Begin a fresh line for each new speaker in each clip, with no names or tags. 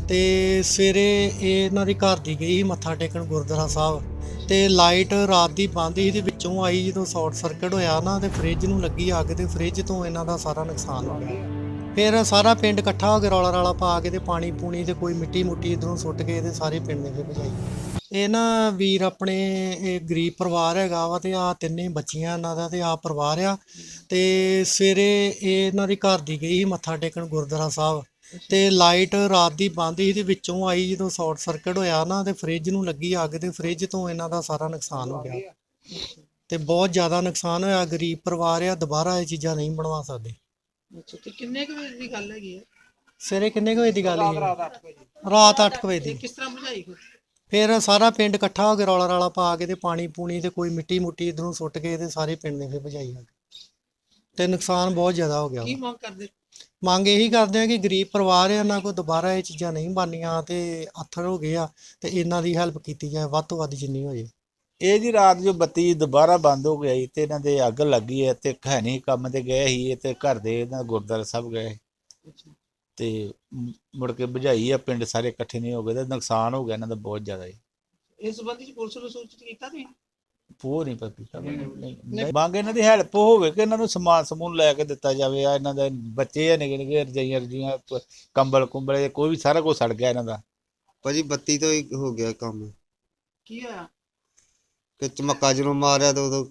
ਤੇ ਸਵੇਰੇ ਇਹਨਾਂ ਦੀ ਘਰ ਦੀ ਗਈ ਸੀ ਮੱਥਾ ਟੇਕਣ ਗੁਰਦੁਆਰਾ ਸਾਹਿਬ ਤੇ ਲਾਈਟ ਰਾਤ ਦੀ ਬੰਦ ਸੀ ਤੇ ਵਿੱਚੋਂ ਆਈ ਜਦੋਂ ਸ਼ਾਰਟ ਸਰਕਟ ਹੋਇਆ ਨਾ ਤੇ ਫ੍ਰਿਜ ਨੂੰ ਲੱਗੀ ਅੱਗ ਤੇ ਫ੍ਰਿਜ ਤੋਂ ਇਹਨਾਂ ਦਾ ਸਾਰਾ ਨੁਕਸਾਨ ਹੋ ਗਿਆ। ਫਿਰ ਸਾਰਾ ਪਿੰਡ ਇਕੱਠਾ ਹੋ ਕੇ ਰੌਲਾ ਰਾਲਾ ਪਾ ਕੇ ਤੇ ਪਾਣੀ ਪੂਣੀ ਤੇ ਕੋਈ ਮਿੱਟੀ ਮੁੱਟੀ ਇਧਰੋਂ ਸੁੱਟ ਕੇ ਤੇ ਸਾਰੇ ਪਿੰਡ ਨੇ ਫਿਰ ਭਜਾਈ। ਇਹ ਨਾ ਵੀਰ ਆਪਣੇ ਇਹ ਗਰੀਬ ਪਰਿਵਾਰ ਹੈਗਾ ਵਾ ਤੇ ਆ ਤਿੰਨੇ ਬੱਚੀਆਂ ਇਹਨਾਂ ਦਾ ਤੇ ਆ ਪਰਿਵਾਰ ਆ ਤੇ ਸਵੇਰੇ ਇਹਨਾਂ ਦੀ ਘਰ ਦੀ ਗਈ ਸੀ ਮੱਥਾ ਟੇਕਣ ਗੁਰਦੁਆਰਾ ਸਾਹਿਬ ਤੇ ਲਾਈਟ ਰਾਤ ਦੀ ਬੰਦ ਸੀ ਤੇ ਵਿੱਚੋਂ ਆਈ ਜਦੋਂ ਸ਼ਾਰਟ ਸਰਕਟ ਹੋਇਆ ਨਾ ਤੇ ਫ੍ਰਿਜ ਨੂੰ ਲੱਗੀ ਅੱਗ ਤੇ ਫ੍ਰਿਜ ਤੋਂ ਇਹਨਾਂ ਦਾ ਸਾਰਾ ਨੁਕਸਾਨ ਹੋ ਗਿਆ ਤੇ ਬਹੁਤ ਜ਼ਿਆਦਾ ਨੁਕਸਾਨ ਹੋਇਆ। ਗਰੀਬ ਪਰਿਵਾਰ ਆ, ਦੁਬਾਰਾ ਇਹ ਚੀਜ਼ਾਂ ਨਹੀਂ ਬਣਵਾ ਸਕਦੇ।
ਅੱਛਾ ਤੇ ਕਿੰਨੇ ਕੁ ਵਜੇ ਦੀ ਗੱਲ ਹੈਗੀ ਹੈ?
ਸਵੇਰੇ ਕਿੰਨੇ ਕੁ ਵਜੇ ਦੀ ਗੱਲ ਹੈ? ਰਾਤ 8 ਵਜੇ ਦੀ।
ਕਿਸ ਤਰ੍ਹਾਂ ਬੁਝਾਈ
ਫਿਰ ਸਾਰਾ ਪਿੰਡ ਇਕੱਠਾ ਹੋ ਕੇ ਰੌਲਾ ਰਾਲਾ ਪਾ ਕੇ ਤੇ ਪਾਣੀ ਪੂਣੀ ਤੇ ਕੋਈ ਮਿੱਟੀ ਮੁੱਟੀ ਇਧਰੋਂ ਸੁੱਟ ਕੇ ਤੇ ਸਾਰੇ ਪਿੰਡ ਨੇ ਫਿਰ ਭਜਾਈ ਅੱਗ ਤੇ ਨੁਕਸਾਨ ਬਹੁਤ ਜ਼ਿਆਦਾ ਹੋ ਗਿਆ।
ਕੀ ਮੰਗ ਕਰਦੇ?
ਮੰਗ ਇਹੀ ਕਰਦੇ ਆ ਕਿ ਗਰੀਬ ਪਰਿਵਾਰ ਆ, ਇਹਨਾਂ ਕੋਲ ਦੁਬਾਰਾ ਇਹ ਚੀਜ਼ਾਂ ਨਹੀਂ ਬਣਨੀਆਂ ਤੇ ਆਥਰ ਹੋ ਗਏ ਆ ਤੇ ਇਹਨਾਂ ਦੀ ਹੈਲਪ ਕੀਤੀ ਜਾਏ ਵੱਧ ਤੋਂ ਵੱਧ ਜਿੰਨੀ ਹੋ ਜੇ।
ਇਹ ਜੀ ਰਾਤ ਜੋ ਬੱਤੀ ਦੁਬਾਰਾ ਬੰਦ ਹੋ ਗਈ ਤੇ ਇਹਨਾਂ ਦੇ ਅੱਗ ਲੱਗੀ ਹੈ ਤੇ ਹੈ ਨਹੀਂ ਕੰਮ ਤੇ ਗਏ ਸੀ ਤੇ ਘਰ ਦੇ ਇਹਨਾਂ ਗੁਰਦੁਆਰਾ ਸਾਹਿਬ ਗਏ ਤੇ ਮੁੜ ਕੇ ਬੁਝਾਈ ਆ। ਪਿੰਡ ਸਾਰੇ ਇਕੱਠੇ ਨਹੀਂ ਹੋ ਗਏ ਤੇ ਨੁਕਸਾਨ ਹੋ ਗਿਆ ਇਹਨਾਂ ਦਾ ਬਹੁਤ ਜ਼ਿਆਦਾ ਜੀ।
ਇਸ ਸੰਬੰਧੀ ਚ ਪੁਲਿਸ ਨੂੰ ਸੂਚਿਤ ਕੀਤਾ ਤੁਸੀਂ?
ਉਹ ਨਹੀਂ ਪਤਾ ਕੀਤਾ ਨਹੀਂ। ਮੰਗ ਇਹਨਾਂ ਦੀ ਹੈਲਪ ਹੋਵੇ ਕਿ ਇਹਨਾਂ ਨੂੰ ਸਮਾਨ ਸਮੂਨ ਲੈ ਕੇ ਦਿੱਤਾ ਜਾਵੇ। ਆ ਇਹਨਾਂ ਦੇ ਬੱਚੇ ਆ ਨਿੱਕੇ ਨਿੱਕੇ, ਰਜਾਈਆਂ ਰਜੀਆਂ, ਕੰਬਲ ਕੁੰਬਲ, ਕੋਈ ਵੀ ਸਾਰਾ ਕੁਝ ਸੜ ਗਿਆ ਇਹਨਾਂ ਦਾ।
ਭਾਜੀ ਬੱਤੀ ਤੋਂ ਹੀ ਹੋ ਗਿਆ ਕੰਮ।
ਕੀ ਹੋਇਆ?
ਕਿ ਚਮੱਕਾ ਜਦੋਂ ਮਾਰਿਆ ਤਾਂ ਉਦੋਂ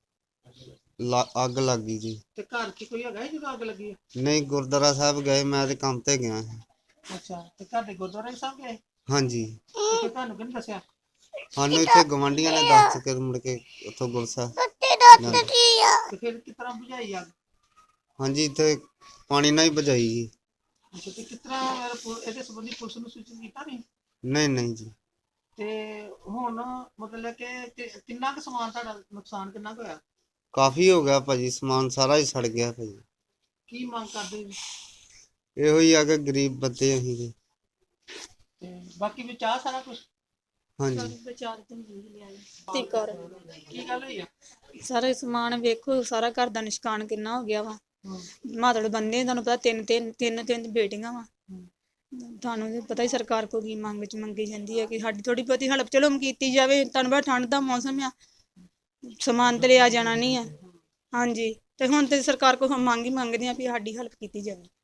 ਅੱਗ ਲੱਗ ਗਈ ਜੀ।
ਤੇ ਘਰ 'ਚ ਕੋਈ ਹੈਗਾ ਜਦੋਂ ਅੱਗ ਲੱਗੀ?
ਨਹੀਂ, ਗੁਰਦੁਆਰਾ ਸਾਹਿਬ ਗਏ, ਮੈਂ ਤੇ ਕੰਮ ਤੇ ਗਿਆ ਸੀ।
ਅੱਛਾ ਤੇ ਤੁਹਾਡੇ ਗੁਰਦੁਆਰਾ ਸਾਹਿਬ ਗਏ?
ਹਾਂਜੀ।
ਤੇ ਤੁਹਾਨੂੰ ਕਿਹਨੇ ਦੱਸਿਆ?
ਸਾਨੂੰ ਇੱਥੇ ਗਵਾਂਢੀਆਂ ਨੇ ਦੱਸ ਕੇ ਮੁੜ ਕੇ ਉੱਥੋਂ ਗੁਰਸਾ।
ਤੇ ਫਿਰ ਕਿਸ ਤਰ੍ਹਾਂ ਬੁਝਾਈ ਅੱਗ?
ਹਾਂਜੀ, ਇੱਥੇ ਪਾਣੀ ਨਾਲ ਹੀ ਬੁਝਾਈ ਜੀ।
ਅੱਛਾ ਤੇ ਕਿਸ ਤਰ੍ਹਾਂ ਇਹਦੇ ਸੰਬੰਧੀ ਪੁਲਿਸ ਨੂੰ ਸੂਚਿਤ ਕੀਤਾ ਨਹੀਂ?
ਨਹੀਂ ਜੀ।
ਤੇ ਹੁਣ ਮਤਲਬ ਕਿ ਕਿੰਨਾ ਕੁ ਸਮਾਨ ਤੁਹਾਡਾ ਨੁਕਸਾਨ ਕਿੰਨਾ ਕੁ ਹੋਇਆ?
ਕਾਫੀ ਹੋ ਗਿਆ ਭਾਜੀ, ਸਮਾਨ ਸਾਰਾ ਹੀ ਸੜ ਗਿਆ ਭਾਜੀ।
ਕੀ ਮੰਗ ਕਰਦੇ ਜੀ?
ਇਹੋ ਹੀ ਆ ਕਿ ਗਰੀਬ ਬੰਦੇ ਅਸੀਂ ਤੇ
ਬਾਕੀ ਵਿੱਚ ਆ ਸਾਰਾ ਕੁਝ?
ਹਾਂਜੀ।
ਕੀ ਗੱਲ ਹੋਈ ਆ?
ਸਾਰਾ ਸਮਾਨ ਵੇਖੋ, ਸਾਰਾ ਘਰ ਦਾ ਨਿਸ਼ਕਾਨ ਕਿੰਨਾ ਹੋ ਗਿਆ ਵਾ। ਮਾਤੜ ਬੰਦੇ ਤੁਹਾਨੂੰ ਪਤਾ ਤਿੰਨ ਬੇਟੀਆਂ ਵਾ। ਤੁਹਾਨੂੰ ਵੀ ਪਤਾ ਹੀ ਸਰਕਾਰ ਕੋਲ ਕੀ ਮੰਗੀ ਜਾਂਦੀ ਹੈ ਕਿ ਸਾਡੀ ਥੋੜੀ ਬਹੁਤੀ ਹੈਲਪ ਚਲੋ ਕੀਤੀ ਜਾਵੇ। ਤੁਹਾਨੂੰ ਪਤਾ ਠੰਡ ਦਾ ਮੌਸਮ ਆ, ਸਮਾਨ ਤੇ ਲਿਆ ਜਾਣਾ ਨਹੀਂ ਆ। ਹਾਂਜੀ ਤੇ ਹੁਣ ਤੇ ਸਰਕਾਰ ਕੋਲ ਮੰਗਦੇ ਆ ਵੀ ਸਾਡੀ ਹੈਲਪ ਕੀਤੀ ਜਾਵੇ।